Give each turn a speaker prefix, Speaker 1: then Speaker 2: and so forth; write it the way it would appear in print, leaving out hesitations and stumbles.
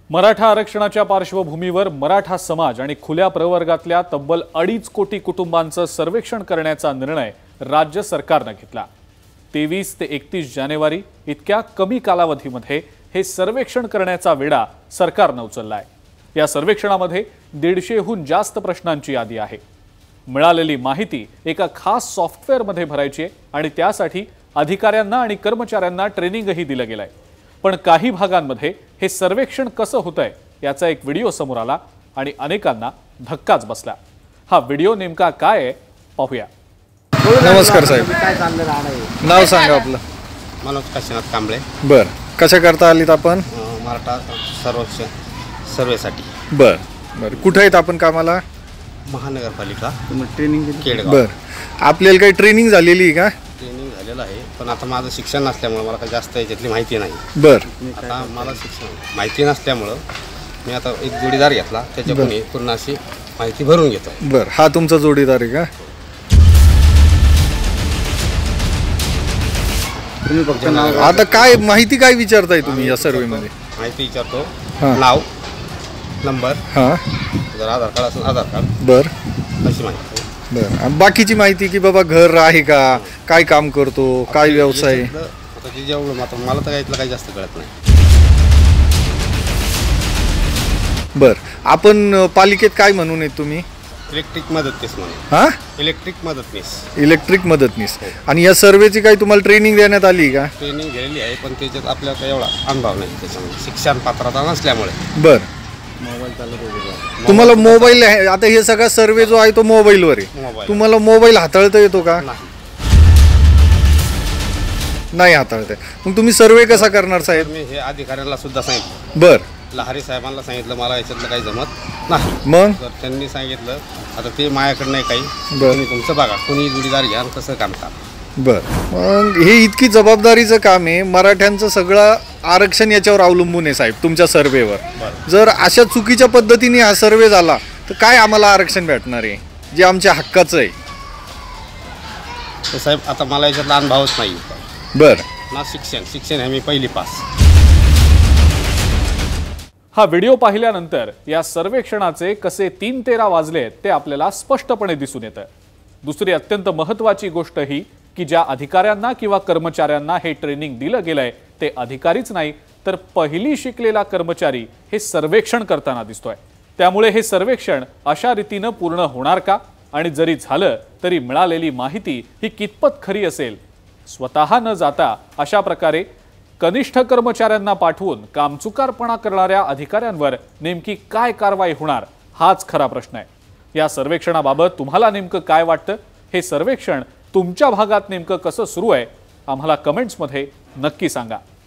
Speaker 1: मराठा आरक्षणाच्या पार्श्वभूमीवर मराठा समाज आणि खुल्या प्रवर्गातल्या तब्बल 2.5 कोटी कुटुंबांचं सर्वेक्षण करण्याचा निर्णय राज्य सरकारने घेतला। 23 ते 31 जानेवारी इतक्या कमी कालावधीमध्ये हे सर्वेक्षण करण्याचा वेढा सरकारने उचललाय। या सर्वेक्षणामध्ये 150हून जास्त प्रश्नांची यादी आहे। मिळालेली माहिती एका खास सॉफ्टवेअरमध्ये भरायची आहे आणि त्यासाठी अधिकाऱ्यांना आणि कर्मचाऱ्यांना ट्रेनिंगही दिलं गेलंय। पण काही भागांमध्ये हे सर्वेक्षण कसं होतंय याचा एक व्हिडिओ समोर आला आणि अनेकांना धक्काच बसला। हा व्हिडिओ नेमका काय आहे पाहूया।
Speaker 2: नमस्कार साहेब, नाव सांगा आपलं।
Speaker 3: मनोज काशीनाथ कांबळे।
Speaker 2: बर, कशा करता आलीत आपण?
Speaker 3: मराठा सर्वेसाठी।
Speaker 2: बर बर, कुठे आहेत आपण कामाला?
Speaker 3: महानगरपालिका
Speaker 2: ट्रेनिंग
Speaker 3: केडगाव।
Speaker 2: बर, आपल्याला काही ट्रेनिंग झालेली आहे का?
Speaker 3: ट्रेनिंग झालेलं आहे, पण आता माझं शिक्षण नसल्यामुळे मला काही जास्त याच्यातली माहिती नाही।
Speaker 2: बर,
Speaker 3: आता मला शिक्षण माहिती नसल्यामुळे मी आता एक जोडीदार घेतला, त्याच्याकडून पूर्ण अशी माहिती भरून घेतो।
Speaker 2: बर, हा तुमचा जोडीदार आहे का? आता काय माहिती काय विचारताय तुम्ही या सर्वे मध्ये?
Speaker 3: माहिती विचारतो, नाव, नंबर, जर आधार कार्ड असेल आधार कार्ड।
Speaker 2: बर,
Speaker 3: अशी माहिती।
Speaker 2: बर, बाकीची माहिती की बाबा घर आहे का, काय काम करतो, काय व्यवसाय?
Speaker 3: आता जे जेवढं मला तर यातलं काही जास्त कळत नाही।
Speaker 2: बर, आपण पालिकेत काय म्हणून आहेत तुम्ही?
Speaker 3: इलेक्ट्रिक मदतनीस म्हणून।
Speaker 2: हा,
Speaker 3: इलेक्ट्रिक मदतनीस।
Speaker 2: इलेक्ट्रिक मदतनीस। आणि या सर्वेची काही तुम्हाला ट्रेनिंग देण्यात आली का?
Speaker 3: ट्रेनिंग घेतलेली आहे, पण त्याच्यात आपल्याला काही एवढा अनुभव नाही त्याच्यामध्ये, शिक्षण पात्रता नसल्यामुळे।
Speaker 2: बर, तुम्हाला मोबाईल आता हे सगळा सर्वे जो आहे तो मोबाईलवर आहे, तुम्हाला मोबाईल हाताळता येतो का? नाही हाताळता। मग तुम्ही सर्वे कसा करणार साहेब?
Speaker 3: मी हे अधिकाऱ्यांना सुद्धा सांगितलं।
Speaker 2: बर,
Speaker 3: लहारी साहेबांना सांगितलं मला याच्यातलं काही जमत नाही।
Speaker 2: मग
Speaker 3: तर त्यांनी सांगितलं आता ते माझ्याकडे नाही काही, तुम्ही तुमचं बघा, कोणी जोडीदार घ्या कसं काम का।
Speaker 2: बर, मग हे इतकी जबाबदारीचं काम आहे, मराठ्यांचं सगळं आरक्षण याच्यावर अवलंबून आहे साहेब तुमच्या सर्वेवर। जर अशा चुकीच्या पद्धतीने हा सर्वे झाला तर काय आम्हाला आरक्षण भेटणार आहे जे आमच्या हक्काचं आहे?
Speaker 3: तर साहेब आता मला याच्यातला अनुभवच नाही।
Speaker 2: बर
Speaker 3: ना शिक्षण आहे मी पहिली पास।
Speaker 1: हा व्हिडिओ पाहिल्यानंतर या सर्वेक्षणाचे कसे 3:13 वाजले ते आपल्याला स्पष्टपणे दिसून येतं। दुसरी अत्यंत महत्त्वाची गोष्ट ही की ज्या अधिकाऱ्यांना किंवा कर्मचाऱ्यांना हे ट्रेनिंग दिलं गेलंय ते अधिकारीच नाही तर पहिली शिकलेला कर्मचारी हे सर्वेक्षण करताना दिसतोय। त्यामुळे हे सर्वेक्षण अशा रीतीने पूर्ण होणार का, आणि जरी झालं तरी मिळालेली माहिती ही कितपत खरी असेल? स्वतः न जाता अशा प्रकारे कनिष्ठ कर्मचाऱ्यांना पाठवून कामचुकारपणा करणाऱ्या अधिकाऱ्यांवर नेमकी काय कारवाई होणार हाच खरा प्रश्न आहे। या सर्वेक्षणाबाबत तुम्हाला नेमकं काय वाटतं? हे सर्वेक्षण तुमच्या भागात नेमकं कसं सुरू आहे आम्हाला कमेंट्समध्ये नक्की सांगा।